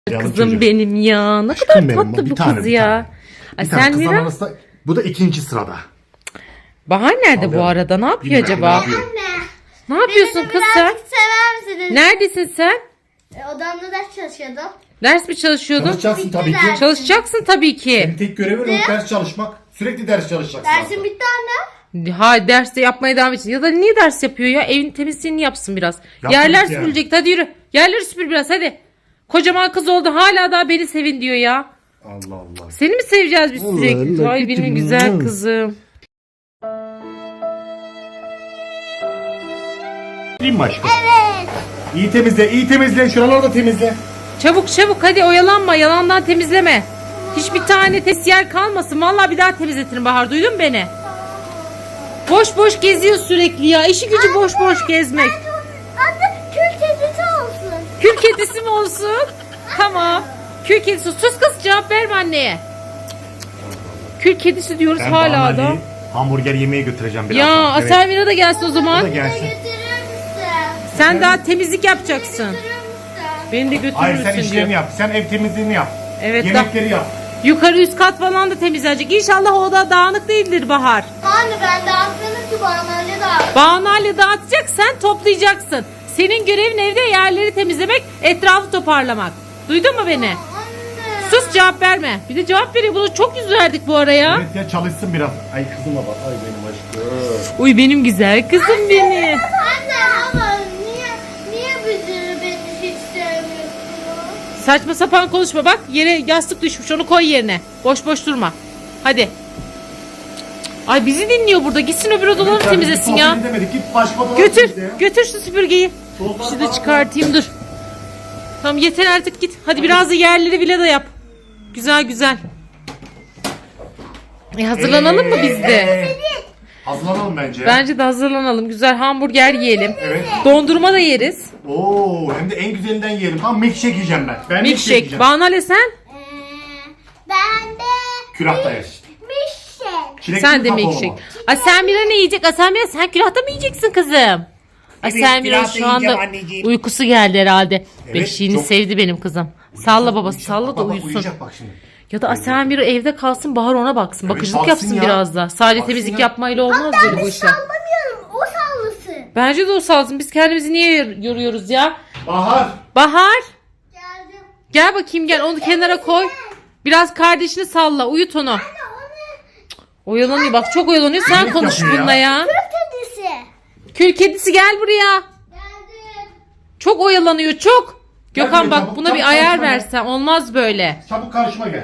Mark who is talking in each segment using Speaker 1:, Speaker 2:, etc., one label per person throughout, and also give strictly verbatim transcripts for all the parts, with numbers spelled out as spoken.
Speaker 1: Kızım
Speaker 2: çocuk.
Speaker 1: benim ya. Ne
Speaker 2: Aşkım
Speaker 1: kadar
Speaker 2: benim,
Speaker 1: tatlı
Speaker 2: bir
Speaker 1: bu
Speaker 2: tane,
Speaker 1: kız
Speaker 2: bir
Speaker 1: ya.
Speaker 2: tane.
Speaker 1: Ay
Speaker 2: Bir tane
Speaker 1: sen
Speaker 2: kızların
Speaker 1: Mira.
Speaker 2: arasında, bu da ikinci sırada.
Speaker 1: Bahar nerede bu
Speaker 2: Alıyorum.
Speaker 1: arada? Ne yapıyor
Speaker 2: Bilmiyorum,
Speaker 1: acaba?
Speaker 2: ne yapıyor?
Speaker 1: Ne yapıyorsun kız sen?
Speaker 3: Birazcık sever misiniz?
Speaker 1: Neredesin sen?
Speaker 3: E, Odamda ders çalışıyordum.
Speaker 1: Ders mi çalışıyordun?
Speaker 2: Çalışacaksın tabii ki.
Speaker 3: Ders.
Speaker 1: Çalışacaksın tabii
Speaker 2: Senin
Speaker 1: ki.
Speaker 2: tek görevin o ders çalışmak. Sürekli ders çalışacaksın.
Speaker 3: Dersim
Speaker 2: aslında.
Speaker 3: bitti anne.
Speaker 1: Ha derste yapmaya devam edeceksin. Ya da niye ders yapıyor ya? Evin temizliğini yapsın biraz.
Speaker 2: Yaptım
Speaker 1: Yerler
Speaker 2: ki yani.
Speaker 1: süpürecek. Hadi yürü. Yerleri süpür biraz hadi. Kocaman kız oldu. Hala daha beni sevin diyor ya.
Speaker 2: Allah Allah.
Speaker 1: Seni mi seveceğiz biz
Speaker 2: Allah
Speaker 1: sürekli?
Speaker 2: Allah,
Speaker 1: Ay
Speaker 2: kötü
Speaker 1: benim
Speaker 2: mü?
Speaker 1: güzel kızım.
Speaker 2: Değil mi aşkım? Evet. İyi temizle, iyi temizle. Şuraları da temizle.
Speaker 1: Çabuk çabuk hadi oyalanma. Yalandan temizleme. Hiçbir tane tes yer kalmasın. Vallahi bir daha temizletirim Bahar. Duydun mu beni? Boş boş geziyor sürekli ya. İşi gücü boş boş gezmek.
Speaker 3: Anne kül kedisi olsun.
Speaker 1: Kül kedisi mi olsun? Tamam. Kül kedisi. Sus kız cevap verme anneye. Kül kedisi diyoruz
Speaker 2: Ben
Speaker 1: hala
Speaker 2: Banu
Speaker 1: da.
Speaker 2: Ali'yi hamburger yemeğe götüreceğim birazdan.
Speaker 1: Ya
Speaker 2: Evet.
Speaker 1: Aselmira da gelsin o
Speaker 2: O
Speaker 1: zaman.
Speaker 2: da gelsin.
Speaker 3: Götürür müsün?
Speaker 1: Sen daha temizlik yapacaksın.
Speaker 3: Götürür müsün?
Speaker 1: Beni de
Speaker 2: Hayır sen
Speaker 1: götürürsün
Speaker 2: işlerini
Speaker 1: diyor.
Speaker 2: yap. Sen ev temizliğini yap.
Speaker 1: Evet,
Speaker 2: Yemekleri yap.
Speaker 1: Yukarı üst kat falan da temizlenecek. İnşallah o da dağınık değildir Bahar.
Speaker 3: Anne ben dağıtmadım ki bana öyle dağıt.
Speaker 1: Bağnayla dağıtacak sen toplayacaksın. Senin görevin evde yerleri temizlemek, etrafı toparlamak. Duydun mu beni?
Speaker 3: Anne.
Speaker 1: Sus cevap verme. Bir de cevap veriyor. Bunu çok yüz verdik bu araya.
Speaker 2: Evet ya çalışsın biraz. Ay kızıma bak. Ay benim aşkım.
Speaker 1: Uy benim güzel kızım benim.
Speaker 3: Anne ama niye niye bizi beni hiç sevmiyorsunuz?
Speaker 1: Saçma sapan konuşma bak. Yere yastık düşmüş. Onu koy yerine. Boş boş durma. Hadi. Ay bizi dinliyor burada. Gitsin öbür odaları
Speaker 2: Evet,
Speaker 1: temizlesin
Speaker 2: biz
Speaker 1: ya.
Speaker 2: sohbet edemedik. Git başka odalara
Speaker 1: Götür.
Speaker 2: temizle ya.
Speaker 1: Götür şu süpürgeyi.
Speaker 2: Soğuklar
Speaker 1: Şunu da
Speaker 2: falan
Speaker 1: çıkartayım dur. Tamam yeter artık git. Hadi biraz da yerleri bile de yap. Güzel güzel. E hazırlanalım mı biz de?
Speaker 2: Ee, Hazırlanalım bence.
Speaker 1: Bence de hazırlanalım. Güzel hamburger yiyelim.
Speaker 2: Evet.
Speaker 1: Dondurma da yeriz.
Speaker 2: Oo, hem de en güzelinden yiyelim. Tamam milkshake yiyeceğim ben. Ben milkshake
Speaker 1: Milkshake.
Speaker 2: yiyeceğim.
Speaker 1: Banale sen?
Speaker 3: Ee, ben de
Speaker 2: Külahta yer.
Speaker 3: milkshake.
Speaker 2: Çilekli
Speaker 1: Sen de
Speaker 2: kakaolu
Speaker 1: milkshake.
Speaker 2: mu?
Speaker 1: Aselmira ne yiyecek? Aselmira sen külahta mı yiyeceksin kızım? Aselmira
Speaker 2: külahta
Speaker 1: şu anda
Speaker 2: yiyeceğim anneciğim.
Speaker 1: uykusu geldi herhalde.
Speaker 2: Evet,
Speaker 1: Beşiğini
Speaker 2: çok-
Speaker 1: sevdi benim kızım. Salla babası
Speaker 2: Uyuyacak,
Speaker 1: salla da
Speaker 2: bak, bak,
Speaker 1: uyusun.
Speaker 2: Uyuyacak bak şimdi.
Speaker 1: Ya da Aselmira evde kalsın Bahar ona baksın.
Speaker 2: Evet,
Speaker 1: Bakıcılık
Speaker 2: baksın
Speaker 1: yapsın
Speaker 2: ya.
Speaker 1: biraz da. Sadece
Speaker 2: Baksın
Speaker 1: temizlik
Speaker 2: ya.
Speaker 1: yapmayla olmaz böyle bu işler.
Speaker 3: Sallamıyorum o sallasın.
Speaker 1: Bence de o salsın. Biz kendimizi niye yor- yoruyoruz ya?
Speaker 2: Bahar.
Speaker 1: Bahar
Speaker 3: Geldim.
Speaker 1: gel bakayım gel onu kenara koy. Biraz kardeşini salla uyut onu. Oyalanıyor bak çok oyalanıyor. Sen
Speaker 2: Yemek
Speaker 1: konuş
Speaker 2: yapıyor ya.
Speaker 1: bununla ya.
Speaker 3: Kül kedisi.
Speaker 1: Kül kedisi gel buraya.
Speaker 3: Geldim.
Speaker 1: Çok oyalanıyor çok.
Speaker 2: Gel
Speaker 1: Gökhan
Speaker 2: buraya,
Speaker 1: bak
Speaker 2: çabuk,
Speaker 1: buna
Speaker 2: çabuk
Speaker 1: bir ayar
Speaker 2: karşıma gel.
Speaker 1: versen olmaz böyle.
Speaker 2: Çabuk karşıma gel.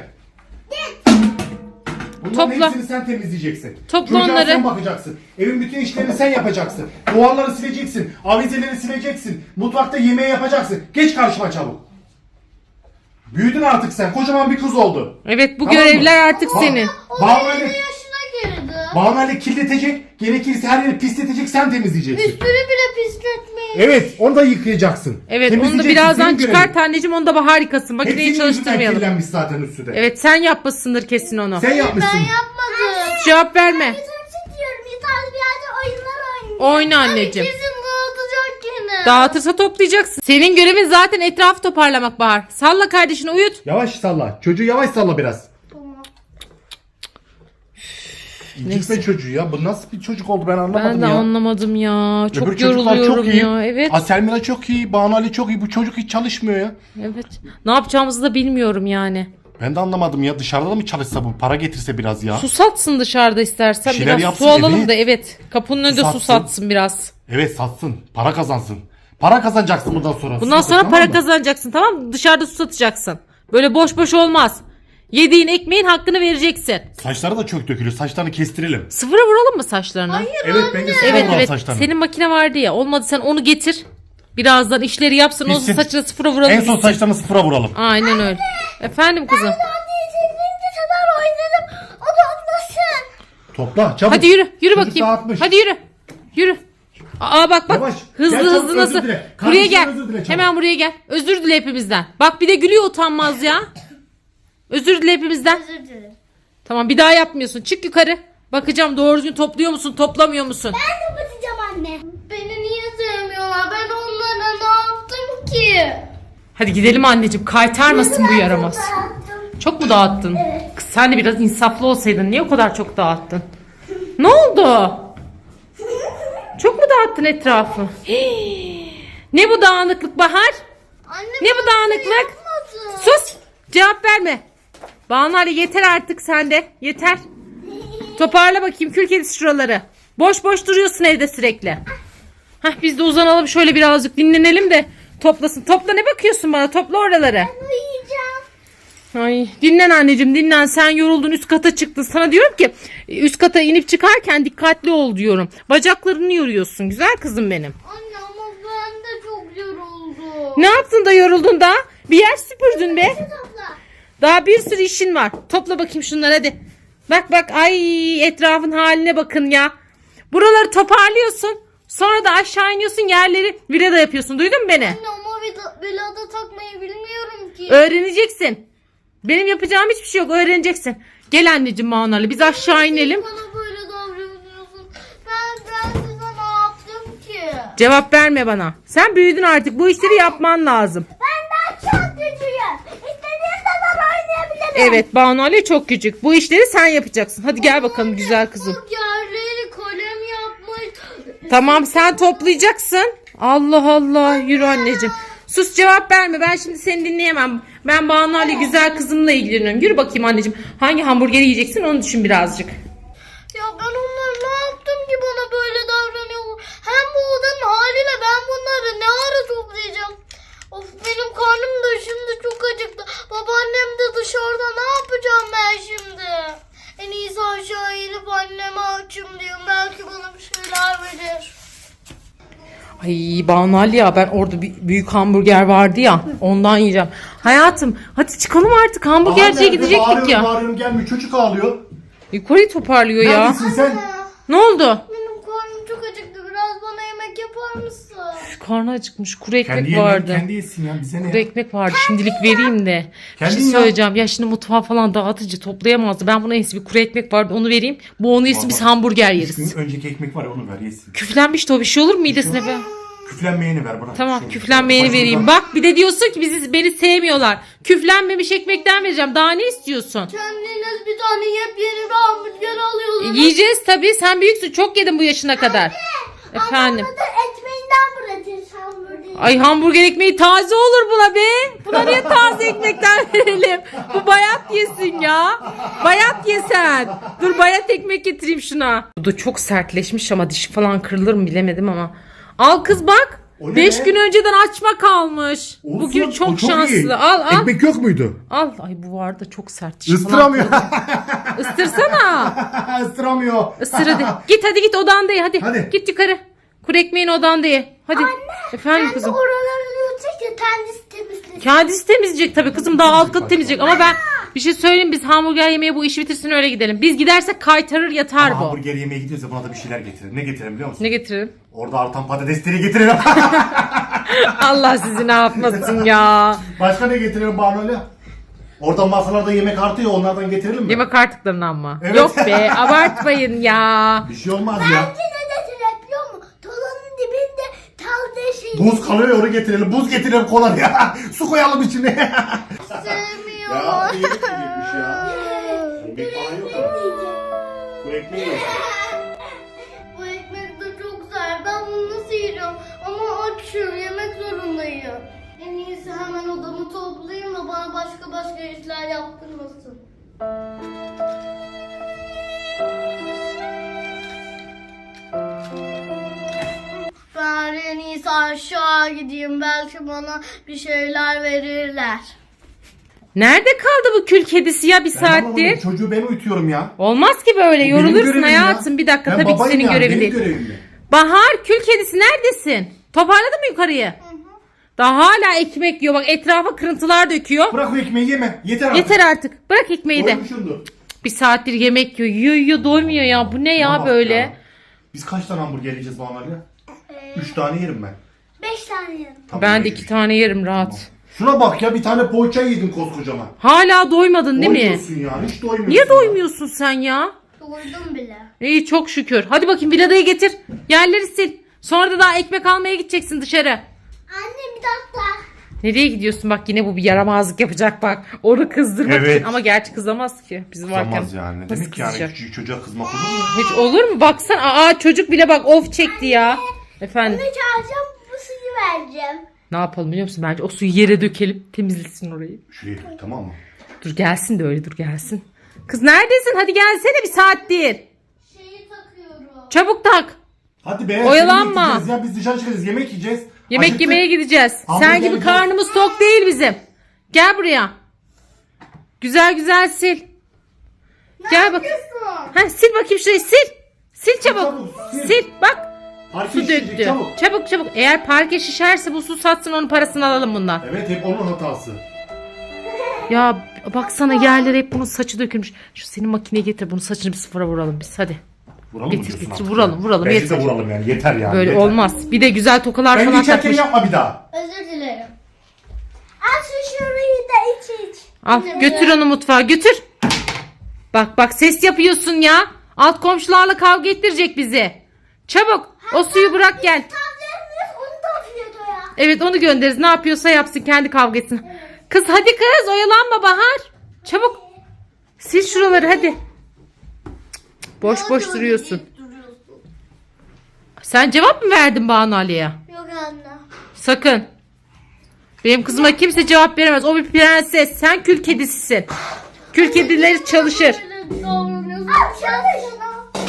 Speaker 2: Bunların
Speaker 1: Topla.
Speaker 2: hepsini sen temizleyeceksin.
Speaker 1: Topla
Speaker 2: Çocuğa
Speaker 1: onları.
Speaker 2: sen bakacaksın. Evin bütün işlerini sen yapacaksın. Duvarları sileceksin. Avizeleri sileceksin. Mutfakta yemeği yapacaksın. Geç karşıma çabuk. Büyüdün artık sen. Kocaman bir kız oldu.
Speaker 1: Evet bu
Speaker 2: Tamam mı?
Speaker 1: görevler artık
Speaker 2: Bak,
Speaker 1: senin.
Speaker 2: Banu Ali,
Speaker 3: Yaşına girdi.
Speaker 2: Banu Ali kirletecek. Gerekirse her yeri pisletecek. Sen temizleyeceksin.
Speaker 3: Üstünü bile pisletmeyin.
Speaker 2: Evet onu da yıkayacaksın.
Speaker 1: Evet onu da
Speaker 2: Temizleyeceksin,
Speaker 1: birazdan
Speaker 2: senin görevin.
Speaker 1: çıkart anneciğim onu da Bahar yıkasın. Makineyi
Speaker 2: Hepsinin yüzünden
Speaker 1: çalıştırmayalım.
Speaker 2: kirlenmiş zaten üstü de.
Speaker 1: Evet sen yapmışsındır kesin onu.
Speaker 2: Sen yapmışsın.
Speaker 3: Ben yapmadım.
Speaker 1: Cevap verme.
Speaker 3: Yeter çekiyorum. Yeter bir yerde oyunlar oynayayım.
Speaker 1: Oyna anneciğim.
Speaker 3: Kesin dağıtacak yine.
Speaker 1: Dağıtırsa toplayacaksın. Senin görevin zaten etrafı toparlamak Bahar. Salla kardeşini uyut.
Speaker 2: Yavaş salla. Çocuğu yavaş salla biraz.
Speaker 3: Tamam.
Speaker 2: İncitme çocuğu ya. Bu nasıl bir çocuk oldu ben anlamadım
Speaker 1: Ben de
Speaker 2: ya.
Speaker 1: anlamadım ya. Çok
Speaker 2: Öbür çocuklar
Speaker 1: yoruluyorum
Speaker 2: çok iyi.
Speaker 1: ya. Evet.
Speaker 2: Aselmira çok iyi. Banu Ali çok iyi. Bu çocuk hiç çalışmıyor ya.
Speaker 1: Evet. Ne yapacağımızı da bilmiyorum yani.
Speaker 2: Ben de anlamadım ya. Dışarıda da mı çalışsa bu? Para getirse biraz ya.
Speaker 1: Su satsın dışarıda istersen.
Speaker 2: Bir şeyler
Speaker 1: Biraz
Speaker 2: yapsın,
Speaker 1: su alalım
Speaker 2: evet.
Speaker 1: da evet. Kapının önünde su
Speaker 2: satsın.
Speaker 1: satsın biraz.
Speaker 2: Evet satsın. Para kazansın. Para kazanacaksın bundan sonra.
Speaker 1: Bundan
Speaker 2: Su
Speaker 1: sonra
Speaker 2: satın,
Speaker 1: para
Speaker 2: tamam mı?
Speaker 1: kazanacaksın tamam mı? Dışarıda su satacaksın. Böyle boş boş olmaz. Yediğin ekmeğin hakkını vereceksin.
Speaker 2: Saçları da çok dökülüyor. Saçlarını kestirelim.
Speaker 1: Sıfıra vuralım mı saçlarını?
Speaker 2: Evet bence sıfır
Speaker 1: Evet
Speaker 2: vuralım
Speaker 1: evet.
Speaker 2: saçlarını.
Speaker 1: Senin makine vardı ya. Olmadı sen onu getir. Birazdan işleri yapsın. Ondan
Speaker 2: Bitsin.
Speaker 1: saçına sıfıra vuralım.
Speaker 2: En son
Speaker 1: gitsin.
Speaker 2: saçlarını sıfıra vuralım.
Speaker 1: Aynen öyle. Efendim kızım.
Speaker 3: Yeterince kadar oynadım. O da atlasın.
Speaker 2: Topla çabuk.
Speaker 1: Hadi yürü. Yürü
Speaker 2: Çocuk
Speaker 1: bakayım.
Speaker 2: dağıtmış.
Speaker 1: Hızlı yürü. Yürü. Aa bak bak.
Speaker 2: Yavaş.
Speaker 1: Hızlı
Speaker 2: Gel çabuk,
Speaker 1: hızlı nasıl?
Speaker 2: özür dile.
Speaker 1: Buraya
Speaker 2: Kardeşine
Speaker 1: gel.
Speaker 2: özür dile çabuk.
Speaker 1: Hemen buraya gel. Özür dile hepimizden. Bak bir de gülüyor utanmaz ya. Özür dile hepimizden.
Speaker 3: Özür dilerim.
Speaker 1: Tamam bir daha yapmıyorsun. Çık yukarı. Bakacağım doğru düzgün topluyor musun, toplamıyor musun?
Speaker 3: Ben kapatacağım anne. Beni niye sevmiyorlar? Ben onlara ne yaptım ki?
Speaker 1: Hadi gidelim anneciğim. Kaytarmasın bu yaramaz. Çok mu dağıttın?
Speaker 3: Evet.
Speaker 1: Kız sen de biraz insaflı olsaydın. Niye o kadar çok dağıttın? Ne oldu? Çok mu dağıttın etrafı? Hii. Ne bu dağınıklık Bahar?
Speaker 3: Anne,
Speaker 1: Ne bu
Speaker 3: ben
Speaker 1: dağınıklık?
Speaker 3: yapmadım.
Speaker 1: Sus! Cevap verme. Banu Ali yeter artık sende. Yeter. Toparla bakayım kül kedisi şuraları. Boş boş duruyorsun evde sürekli. Hah biz de uzanalım şöyle birazcık dinlenelim de toplasın. Topla ne bakıyorsun bana? Topla oraları.
Speaker 3: Uyuyacağım.
Speaker 1: Ay dinlen anneciğim dinlen. Sen yoruldun üst kata çıktın. Sana diyorum ki üst kata inip çıkarken dikkatli ol diyorum. Bacaklarını yoruyorsun. Güzel kızım benim.
Speaker 3: Anne ama ben de çok yoruldum.
Speaker 1: Ne yaptın da yoruldun da? Bir yer süpürdün be.
Speaker 3: Topla.
Speaker 1: Daha bir sürü işin var. Topla bakayım şunları hadi. Bak bak ay etrafın haline bakın ya. Buraları toparlıyorsun. Sonra da aşağı iniyorsun yerleri virada yapıyorsun. Duydun mu beni?
Speaker 3: Anne ama vila- vilada takmayı bilmiyorum ki.
Speaker 1: Öğreneceksin. Benim yapacağım hiçbir şey yok. Öğreneceksin. Gel anneciğim Manarlı biz aşağı inelim.
Speaker 3: Bana böyle davranıyorsun. Ben, ben size ne yaptım ki?
Speaker 1: Cevap verme bana. Sen büyüdün artık. Bu işleri yapman lazım.
Speaker 3: Ben daha çok güçlüyüm. İstediğim zaman oynayabilirim.
Speaker 1: Evet Banu Ali çok küçük. Bu işleri sen yapacaksın. Hadi gel bakalım güzel kızım.
Speaker 3: Bak yerleri kalem yapmış.
Speaker 1: Tamam sen toplayacaksın. Allah Allah yürü anneciğim. Sus cevap verme ben şimdi seni dinleyemem. Ben Banu Ali güzel kızımla ilgileniyorum. Yürü bakayım anneciğim. Hangi hamburgeri yiyeceksin onu düşün birazcık.
Speaker 3: Ya ben onlara ne yaptım ki bana böyle davranıyorlar? Hem bu odanın haliyle ben bunları ne ara toplayacağım? Of benim karnım da şimdi çok acıktı. Babaannem de dışarıda ne yapacağım ben şimdi? En iyisi aşağı inip anneme açım diyorum. Belki bana bir şeyler verir.
Speaker 1: Ay Banu Ali ya ben orada bir büyük hamburger vardı ya ondan yiyeceğim. Hayatım hadi çıkalım artık hamburgerciye gidecektik
Speaker 2: bağırıyorum,
Speaker 1: ya.
Speaker 2: Bağırıyorum gelmiyor. Çocuk ağlıyor.
Speaker 1: Yukarıyı toparlıyor ya.
Speaker 2: Neredesin sen?
Speaker 1: Ne oldu?
Speaker 3: Benim karnım çok acıktı. Biraz bana yemek yapar mısın?
Speaker 1: Karnı acıkmış kuru ekmek
Speaker 2: Kendi
Speaker 1: vardı.
Speaker 2: yemeğini kendi yesin ya. Bize ne
Speaker 1: Kuru
Speaker 2: ya?
Speaker 1: ekmek vardı şimdilik vereyim de. Bir
Speaker 2: Kendin
Speaker 1: şey
Speaker 2: yap.
Speaker 1: söyleyeceğim ya şimdi mutfağı falan dağıtıcı toplayamazdı. Ben buna en iyisi bir kuru ekmek vardı onu vereyim. Bu onu yesin biz
Speaker 2: Vallahi.
Speaker 1: hamburger
Speaker 2: Üç
Speaker 1: yeriz.
Speaker 2: gün önceki ekmek var ya onu ver yesin.
Speaker 1: Küflenmişti o bir şey olur mu midesine be?
Speaker 2: Küflenmeyeni ver bırak.
Speaker 1: Tamam
Speaker 2: Şu-
Speaker 1: küflenmeyeni
Speaker 2: Başka
Speaker 1: vereyim.
Speaker 2: bir-
Speaker 1: Bak bir de diyorsun ki bizi beni sevmiyorlar. Küflenmemiş ekmekten vereceğim. Daha ne istiyorsun?
Speaker 3: Kendiniz bir tane yepyeni bir hamburger alıyorsunuz.
Speaker 1: Yiyeceğiz tabii. Sen büyüksün. Çok yedin bu yaşına kadar. Efendim.
Speaker 3: Ama da ekmeğinden bırakırız hamburgeri.
Speaker 1: Ay hamburger ekmeği taze olur buna be. Buna niye taze ekmekten verelim? Bu bayat yesin ya. Bayat yesen. Dur bayat ekmek getireyim şuna. Bu da çok sertleşmiş ama dişi falan kırılır mı bilemedim ama. Al kız bak.
Speaker 2: O ne
Speaker 1: Beş
Speaker 2: be?
Speaker 1: gün önceden açma kalmış.
Speaker 2: Olsun,
Speaker 1: Bugün
Speaker 2: o
Speaker 1: çok,
Speaker 2: iyi.
Speaker 1: şanslı. Al al.
Speaker 2: Ekmek yok muydu?
Speaker 1: Al. Ay bu var da çok sert. Dişi falan
Speaker 2: Istıramıyor.
Speaker 1: kırılır. Istırsana.
Speaker 2: Istıramıyor.
Speaker 1: Isır hadi. Git hadi git odanda ye hadi.
Speaker 2: Hadi.
Speaker 1: Git yukarı. Kuru ekmeğin odanda ye. Hadi. Efendim kızım.
Speaker 3: Oraları yutacak ya kendisi temizlesin.
Speaker 1: Kendisi temizleyecek tabii kızım daha alt katı temizleyecek ama ben bir şey söyleyeyim biz hamburger yemeye bu işi bitirsin öyle gidelim. Biz gidersek kaytarır yatar
Speaker 2: Ama
Speaker 1: bu.
Speaker 2: hamburger yemeye gidiyoruz ya buna da bir şeyler getirelim. Ne getirelim biliyor musun?
Speaker 1: Ne getirelim?
Speaker 2: Orada artan patatesleri getirelim.
Speaker 1: Allah sizi ne yapmasın ya.
Speaker 2: Başka ne getirelim Barnoli? Oradan masalarda yemek artıyor onlardan getirelim mi?
Speaker 1: Yemek artıklarından mı?
Speaker 2: Evet.
Speaker 1: Yok be abartmayın ya.
Speaker 2: Bir şey olmaz ya.
Speaker 3: Bence ne getirelim biliyor musun? Talanın dibinde tal şey.
Speaker 2: Buz kalıyor ya onu getirelim. Buz getirelim kola ya. Su koyalım içine.
Speaker 3: Sevmiyor.
Speaker 2: ya yemek yiyecekmiş ya. Ekmek falan yok ama. Bu ekmeği yok.
Speaker 3: Bu ekmek de çok güzel. Ben bunu nasıl yiyeceğim? Ama açım. Yemek zorundayım. En iyisi hemen odamı toplayayım da bana başka başka işler yaptırmasın. Ben en iyisi aşağı gideyim. Belki bana bir şeyler verirler.
Speaker 1: Nerede kaldı bu kül kedisi ya bir
Speaker 2: Ben anlamadım,
Speaker 1: saattir?
Speaker 2: çocuğu ben uyutuyorum ya.
Speaker 1: Olmaz ki böyle
Speaker 2: Bu benim
Speaker 1: yorulursun
Speaker 2: görevim
Speaker 1: hayatım
Speaker 2: ya.
Speaker 1: bir dakika
Speaker 2: Ben
Speaker 1: tabii ki
Speaker 2: babayım
Speaker 1: senin
Speaker 2: yani,
Speaker 1: görevin
Speaker 2: benim
Speaker 1: değil.
Speaker 2: görevim mi?
Speaker 1: Bahar kül kedisi neredesin? Toparladın mı yukarıyı? Daha hala ekmek yiyor bak etrafa kırıntılar döküyor.
Speaker 2: Bırak o ekmeği yeme. Yeter artık.
Speaker 1: Yeter artık bırak ekmeği de.
Speaker 2: Doymuşsundur.
Speaker 1: Bir saattir yemek yiyor yiyor yiyor doymuyor ya bu ne ya
Speaker 2: Bana bak
Speaker 1: böyle.
Speaker 2: ya. Biz kaç tane hamburger yiyeceğiz Banu Ali? Üç tane yerim ben.
Speaker 3: Beş tane yerim.
Speaker 2: Tabii
Speaker 1: Ben de
Speaker 2: yerim.
Speaker 1: iki tane yerim rahat.
Speaker 2: Şuna bak ya bir tane poğaça yedin koskocaman.
Speaker 1: Hala doymadın değil mi?
Speaker 2: Doymuyorsun ya hiç doymuyorsun.
Speaker 1: Niye
Speaker 2: ya.
Speaker 1: doymuyorsun sen ya?
Speaker 3: Doydum bile.
Speaker 1: İyi çok şükür. Hadi bakayım viladayı getir. Yerleri sil. Sonra da daha ekmek almaya gideceksin dışarı.
Speaker 3: Anne bir dakika.
Speaker 1: Nereye gidiyorsun? Bak yine bu bir yaramazlık yapacak bak. Onu kızdırmak
Speaker 2: Evet.
Speaker 1: için. Ama gerçi kızamaz ki. Biz varken.
Speaker 2: Kızamaz yani. Ne
Speaker 1: Nasıl
Speaker 2: demek yani
Speaker 1: kızacak?
Speaker 2: küçücük çocuğa kızmak olur mu?
Speaker 1: Hiç olur mu? Baksana. Aa çocuk bile bak of çekti ya. Efendim.
Speaker 3: Bunu çağıracağım, bu suyu vereceğim.
Speaker 1: Ne yapalım biliyor musun? Bence o suyu yere dökelim. Temizlesin orayı.
Speaker 2: Şuraya dök, tamam mı?
Speaker 1: Dur gelsin de öyle dur gelsin. Kız neredesin? Hadi gelsene bir saattir.
Speaker 3: Şeyi takıyorum.
Speaker 1: Çabuk tak.
Speaker 2: Hadi be.
Speaker 1: Oyalanma.
Speaker 2: seni bekleyeceğiz Ya biz dışarı çıkacağız, yemek yiyeceğiz.
Speaker 1: Yemek
Speaker 2: Acıktık.
Speaker 1: yemeye gideceğiz.
Speaker 2: Abla
Speaker 1: Sen
Speaker 2: gel,
Speaker 1: gibi
Speaker 2: gel.
Speaker 1: karnımız tok değil bizim. Gel buraya. Güzel güzel sil. Gel bak. Ha, sil bakayım şurayı sil. Sil çabuk.
Speaker 2: Çabuk, sil.
Speaker 1: Sil bak.
Speaker 2: Parke
Speaker 1: Su
Speaker 2: şişecek,
Speaker 1: döktü.
Speaker 2: çabuk.
Speaker 1: Çabuk çabuk. Eğer parke şişerse bu su satsın onun parasını alalım bundan.
Speaker 2: Evet hep onun hatası.
Speaker 1: Ya baksana yerlere hep bunun saçı dökülmüş. Şu senin makineye getir bunu saçını bir sıfıra vuralım biz hadi.
Speaker 2: Vuralım
Speaker 1: Getir,
Speaker 2: mı diyorsun
Speaker 1: getir,
Speaker 2: artık
Speaker 1: vuralım,
Speaker 2: ya?
Speaker 1: vuralım,
Speaker 2: Bence
Speaker 1: yeter.
Speaker 2: de vuralım yani yeter yani.
Speaker 1: Böyle
Speaker 2: yeter.
Speaker 1: olmaz. Bir de güzel tokalar
Speaker 2: Ben
Speaker 1: falan
Speaker 2: geçerken
Speaker 1: takmış.
Speaker 2: yapma bir daha.
Speaker 3: Özür dilerim. Al şu şurayı da iç iç.
Speaker 1: Al
Speaker 3: Yine
Speaker 1: götür
Speaker 3: mi?
Speaker 1: onu mutfağa götür. Bak bak ses yapıyorsun ya. Alt komşularla kavga ettirecek bizi. Çabuk o suyu bırak gel.
Speaker 3: Tavlarımız onu da atıyordu ya.
Speaker 1: Evet onu göndeririz. Ne yapıyorsa yapsın kendi kavga etsin. Kız hadi kız oyalanma Bahar. Çabuk. Sil şuraları hadi. Boş boş
Speaker 3: Ne
Speaker 1: duruyorsun.
Speaker 3: deyip duruyorsun?
Speaker 1: Sen cevap mı verdin Banu Ali'ye?
Speaker 3: Yok anne.
Speaker 1: Sakın. Benim kızıma kimse cevap veremez. O bir prenses. Sen kül kedisisin. Kül kedileri çalışır.
Speaker 3: Böyle davranıyorsun. Al çalış.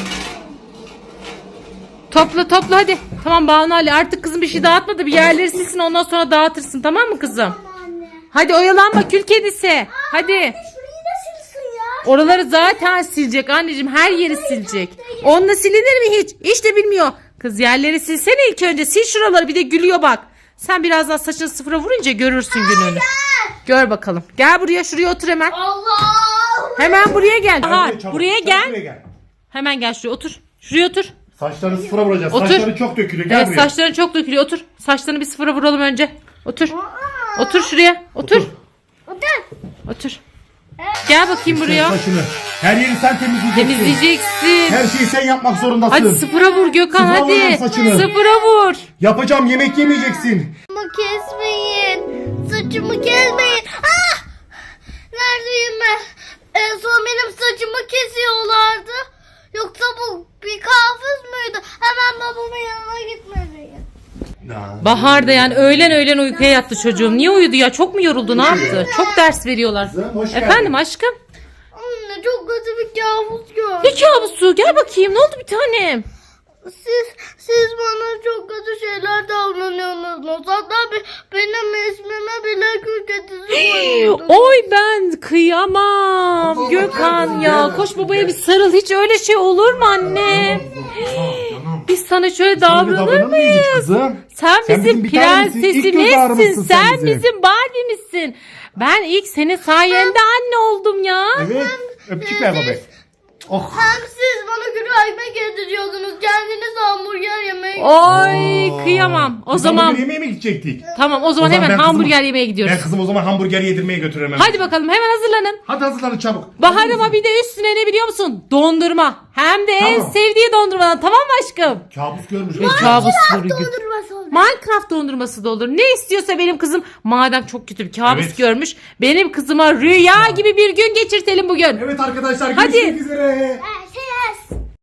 Speaker 1: Topla topla hadi. Tamam Banu Ali artık kızım bir şey dağıtma da bir yerleri silsin ondan sonra dağıtırsın tamam mı kızım?
Speaker 3: Tamam anne.
Speaker 1: Hadi oyalanma kül kedisi. Hadi.
Speaker 3: Şurayı da silsin ya.
Speaker 1: Oraları zaten silecek anneciğim her yeri silecek. Onunla silinir mi hiç? Hiç de bilmiyor. Kız yerleri silsene ilk önce sil şuraları bir de gülüyor bak. Sen biraz daha saçını sıfıra vurunca görürsün gününü. Gör bakalım. Gel buraya şuraya otur hemen.
Speaker 3: Allah.
Speaker 1: Hemen buraya gel.
Speaker 2: Gel
Speaker 1: Bahar
Speaker 2: buraya çabuk,
Speaker 1: buraya
Speaker 2: çabuk
Speaker 1: gel.
Speaker 2: buraya gel.
Speaker 1: Hemen gel şuraya otur. Şuraya otur.
Speaker 2: Saçlarını sıfıra vuracağız.
Speaker 1: Otur.
Speaker 2: Saçları çok dökülüyor. Gel
Speaker 1: Evet
Speaker 2: buraya.
Speaker 1: saçların çok dökülüyor. Otur. Saçlarını bir sıfıra vuralım önce. Otur. Otur şuraya. Otur.
Speaker 2: Otur.
Speaker 3: Otur.
Speaker 1: Otur. Gel bakayım buraya.
Speaker 2: Saçını. Her yeri sen temizleyeceksin.
Speaker 1: Temizleyeceksin.
Speaker 2: Her şeyi sen yapmak zorundasın.
Speaker 1: Hadi sıfıra vur Gökhan
Speaker 2: Sıfıra
Speaker 1: hadi.
Speaker 2: vuralım saçını.
Speaker 1: Sıfıra vur.
Speaker 2: Yapacağım, yemek yemeyeceksin.
Speaker 3: Saçımı kesmeyin. Saçımı kesmeyin. Ah! Neredeyim ben? En son benim saçımı kesiyorlardı. Yoksa bu bir kabus muydu? Hemen babamın yanına gitmeliyim.
Speaker 1: Bahar da yani öğlen öğlen uykuya yattı çocuğum. Niye uyudu ya? Çok mu yoruldu? Ne yaptı? Çok ders veriyorlar.
Speaker 2: Kızım, hoş geldin.
Speaker 1: Efendim aşkım?
Speaker 3: Anne çok kötü bir kabus gördüm.
Speaker 1: Ne kabusu? Gel bakayım. Ne oldu bir tanem?
Speaker 3: Siz, siz bana çok kötü şeyler davranıyorsunuz. Hatta be- benim ismime bile kül kedisi koyuyordunuz.
Speaker 1: Oy ben kıyamam. Gökhan ya. Koş babaya bir sarıl. Hiç öyle şey olur mu anne? Biz sana şöyle davranır mıyız?
Speaker 2: Kızım.
Speaker 1: Sen,
Speaker 2: Sen
Speaker 1: bizim
Speaker 2: bizim bir tanemizsin. İlk göz
Speaker 1: prensesimizsin.
Speaker 2: ağrımızsın sen
Speaker 1: Sen
Speaker 2: bize.
Speaker 1: bizim Barbie'mizsin. Ben ilk senin sayende anne oldum ya.
Speaker 2: Evet. Öpücük ver babaya. Oh.
Speaker 3: Hem siz bana güvenme getiriyordunuz. Kendiniz hamburger yemeyi.
Speaker 1: Oy kıyamam. O
Speaker 2: Biz
Speaker 1: zaman
Speaker 2: hamburger yemeğe mi gidecektik?
Speaker 1: tamam o zaman
Speaker 2: O zaman
Speaker 1: hemen
Speaker 2: ben kızımı-
Speaker 1: hamburger yemeye gidiyoruz.
Speaker 2: Ben kızım o zaman hamburger yedirmeye götürürüm hemen.
Speaker 1: Hadi bakalım hemen hazırlanın.
Speaker 2: Hadi hazırlanın çabuk.
Speaker 1: Bahar ama bir de üstüne ne biliyor musun? Dondurma. Hem de en
Speaker 2: Tamam.
Speaker 1: sevdiği dondurmadan tamam mı aşkım?
Speaker 2: Kabus görmüş.
Speaker 1: Ne kabus soru.
Speaker 3: Dondurması oldu.
Speaker 1: Minecraft dondurması da olur. Ne istiyorsa benim kızım madem çok kötü bir kabus
Speaker 2: Evet.
Speaker 1: görmüş. Benim kızıma rüya gibi bir gün geçirtelim bugün.
Speaker 2: Evet arkadaşlar
Speaker 1: Hadi.
Speaker 2: görüşmek üzere.